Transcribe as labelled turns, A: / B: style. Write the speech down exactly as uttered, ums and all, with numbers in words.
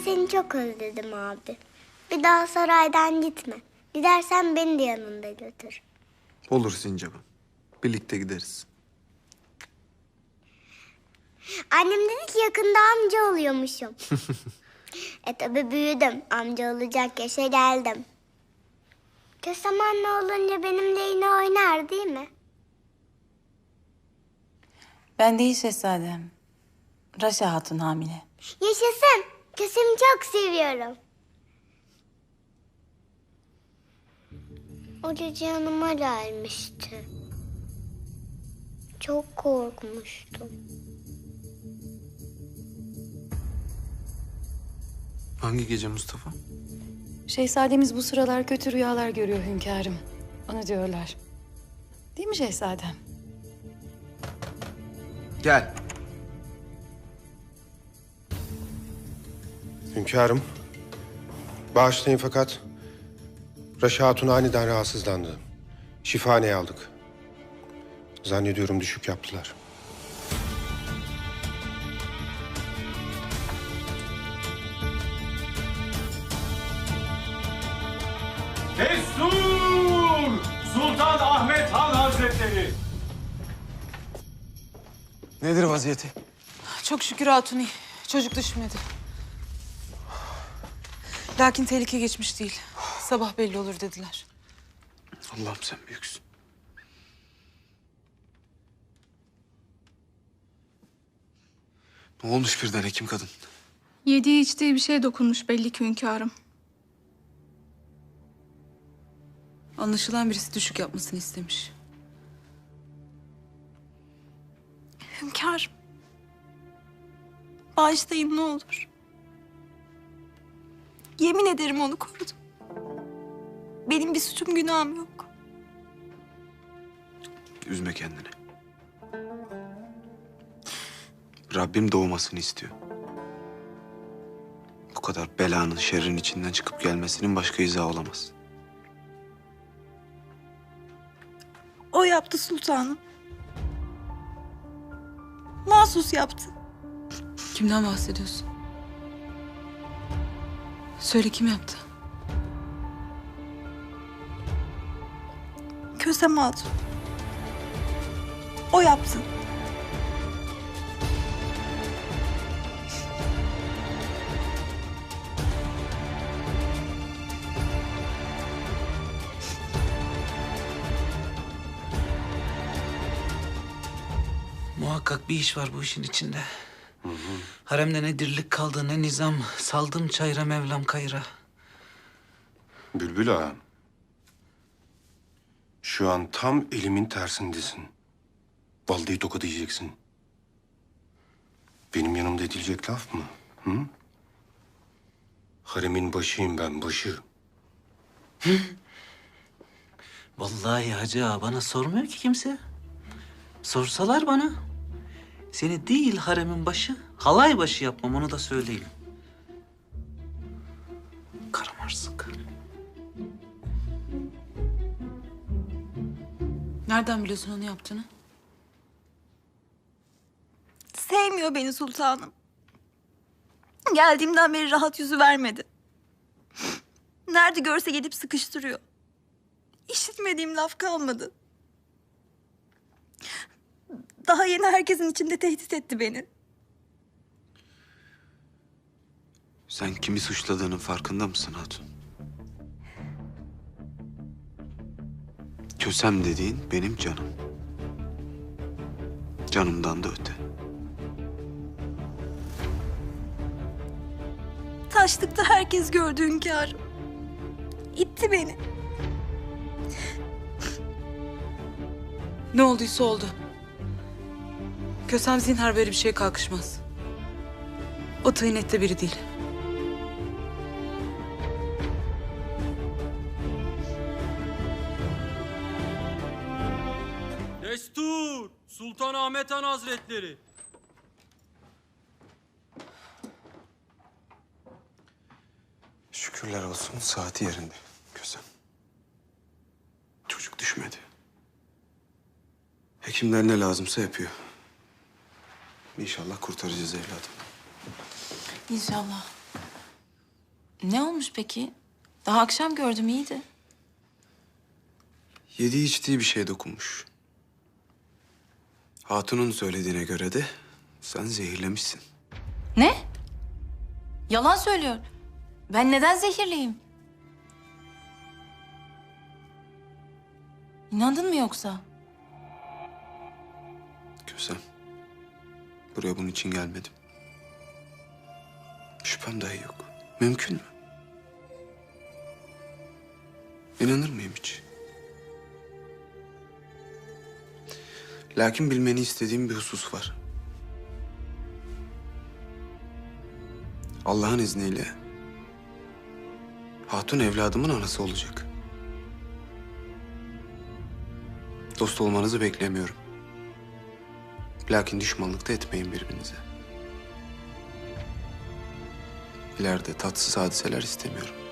A: seni çok özledim abi. Bir daha saraydan gitme. Gidersen beni de yanında götür.
B: Olur Sincap'ım. Birlikte gideriz.
A: Annem dedi ki yakında amca oluyormuşum. e tabi büyüdüm. Amca olacak yaşa geldim. Kösem anne olunca benimle yine oynar değil mi?
C: Ben değil şehzadem. Raşa Hatun hamile.
A: Yaşasın. Kösem'i çok seviyorum. O gece yanıma gelmişti. Çok korkmuştum.
B: Hangi gece Mustafa?
C: Şehzademiz bu sıralar kötü rüyalar görüyor hünkârım. Onu diyorlar. Değil mi şehzadem?
B: Gel.
D: Hünkârım, bağışlayın fakat Raşa Hatun aniden rahatsızlandı. Şifahaneye aldık. Zannediyorum düşük yaptılar.
E: Destur! Sultan Ahmet Han Hazretleri!
B: Nedir vaziyeti?
F: Çok şükür Hatuni. Çocuk düşmedi. Lakin tehlike geçmiş değil. Sabah belli olur dediler.
B: Allah'ım sen büyüksün. Ne olmuş birden hekim kadın?
G: Yediği içtiği bir şey dokunmuş belli ki hünkârım.
F: Anlaşılan birisi düşük yapmasını istemiş.
G: Hünkârım. Bağışlayın ne olur. Yemin ederim onu korudum. Benim bir suçum günahım yok.
B: Üzme kendini. Rabbim doğmasını istiyor. Bu kadar belanın, şerrin içinden çıkıp gelmesinin başka izahı olamaz.
G: O yaptı sultanım. Mahsus yaptı.
F: Kimden bahsediyorsun? Söyle, kim yaptı?
G: Kösem Hatun. O yaptı.
H: Muhakkak bir iş var bu işin içinde. Hı hı. Haremde ne dirlik kaldı ne nizam. Saldım çayra Mevlam kayra.
D: Bülbül ağa, şu an tam elimin tersindesin. Vallahi tokat yiyeceksin. Benim yanımda edilecek laf mı? Hı? Haremin başıyım ben, başı.
H: Vallahi hacı ağa, bana sormuyor ki kimse. Sorsalar bana. Seni değil haremin başı, halay başı yapmam, onu da söyleyeyim. Karamarsık.
F: Nereden biliyorsun onu yaptığını?
G: Sevmiyor beni sultanım. Geldiğimden beri rahat yüzü vermedi. Nerede görse gelip sıkıştırıyor. İşitmediğim laf kalmadı. Daha yeni herkesin içinde tehdit etti beni.
B: Sen kimi suçladığının farkında mısın Hatun? Kösem dediğin benim canım. Canımdan da öte.
G: Taşlıkta herkes gördü hünkârım. İtti beni.
F: Ne olduysa oldu. Kösem zinhar böyle bir şeye kalkışmaz. O tıynette biri değil.
E: Destur! Sultan Ahmet Han Hazretleri!
B: Şükürler olsun saati yerinde Kösem. Çocuk düşmedi. Hekimler ne lazımsa yapıyor. İnşallah kurtaracağız evladım.
F: İnşallah.
I: Ne olmuş peki? Daha akşam gördüm, iyiydi.
B: Yediği içtiği bir şeye dokunmuş. Hatun'un söylediğine göre de sen zehirlemişsin.
I: Ne? Yalan söylüyor. Ben neden zehirliyim? İnandın mı yoksa?
B: Kösem, buraya bunun için gelmedim. Şüphem dahi yok. Mümkün mü? İnanır mıyım hiç? Lakin bilmeni istediğim bir husus var. Allah'ın izniyle Hatun evladımın anası olacak. Dost olmanızı beklemiyorum. Lakin düşmanlık da etmeyin birbirinize. İleride tatsız hadiseler istemiyorum.